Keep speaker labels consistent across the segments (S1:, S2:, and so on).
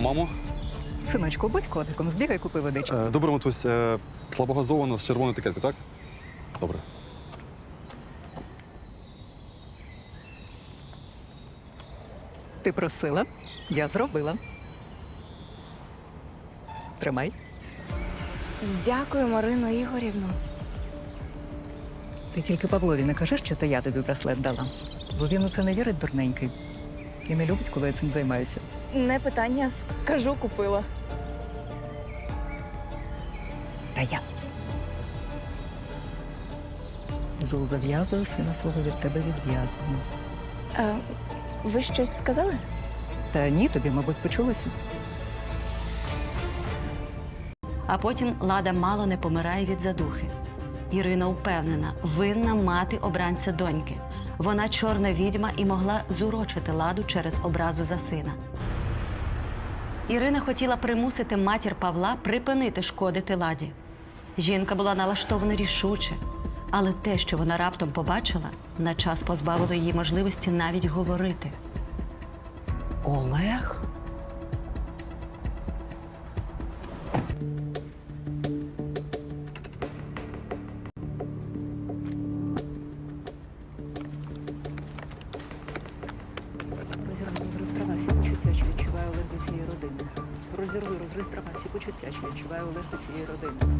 S1: Мамо?
S2: Синочку, будь котиком, збігай, купи водички.
S1: Добре, матусь. Слабогазована з червоною етикеткою, так? Добре.
S2: Ти просила, я зробила. Тримай.
S3: Дякую, Марино Ігорівно.
S2: Ти тільки Павлові не кажи, що то я тобі браслет дала. Бо він у це не вірить, дурненький. І не любить, коли я цим займаюся.
S3: Не питання, скажу, купила.
S2: Та я. Зул зав'язую, сина свого від тебе відв'язую.
S3: Ви щось сказали?
S2: Та ні, тобі, мабуть, почулося.
S4: А потім Лада мало не помирає від задухи. Ірина впевнена, винна мати обранця доньки. Вона чорна відьма і могла зурочити Ладу через образу за сина. Ірина хотіла примусити матір Павла припинити шкодити Ладі. Жінка була налаштована рішуче, але те, що вона раптом побачила, на час позбавило її можливості навіть говорити.
S2: Олег? Розірви трава, всі почуття, що відчуваю Олег до цієї родини. Розрив трава, всі почуття, що відчуваю Олег до цієї родини.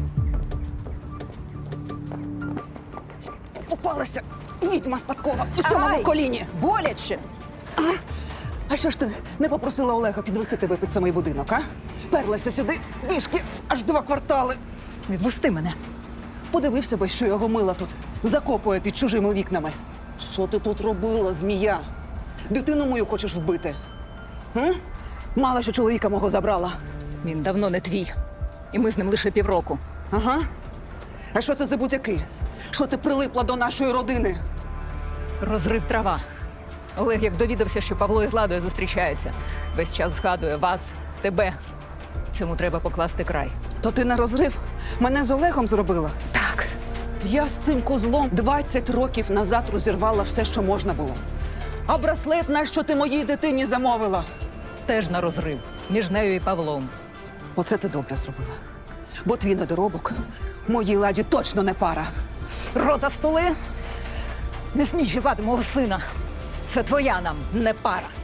S5: Попалася відьма спадкова у сьомому коліні.
S2: Боляче!
S5: А що ж ти не попросила Олега підвести тебе під самий будинок, а? Перлася сюди пішки аж 2 квартали.
S2: Відпусти мене!
S5: Подивився би, що його мила тут закопує під чужими вікнами. Що ти тут робила, змія? Дитину мою хочеш вбити? М? Мало що чоловіка мого забрала.
S2: Він давно не твій. І ми з ним лише півроку.
S5: Ага. А що це за будь-яки? Що ти прилипла до нашої родини?
S2: Розрив трава. Олег, як довідався, що Павло із Ладою зустрічаються, весь час згадує вас, тебе. Цьому треба покласти край.
S5: То ти на розрив мене з Олегом зробила?
S2: Так.
S5: Я з цим козлом 20 років назад розірвала все, що можна було. А браслет, нащо ти моїй дитині замовила?
S2: Теж на розрив. Між нею і Павлом.
S5: Оце ти добре зробила. Бо твій недоробок моїй Ладі точно не пара.
S2: Рота столи! Не смій чіпати мого сина. Це твоя нам не пара.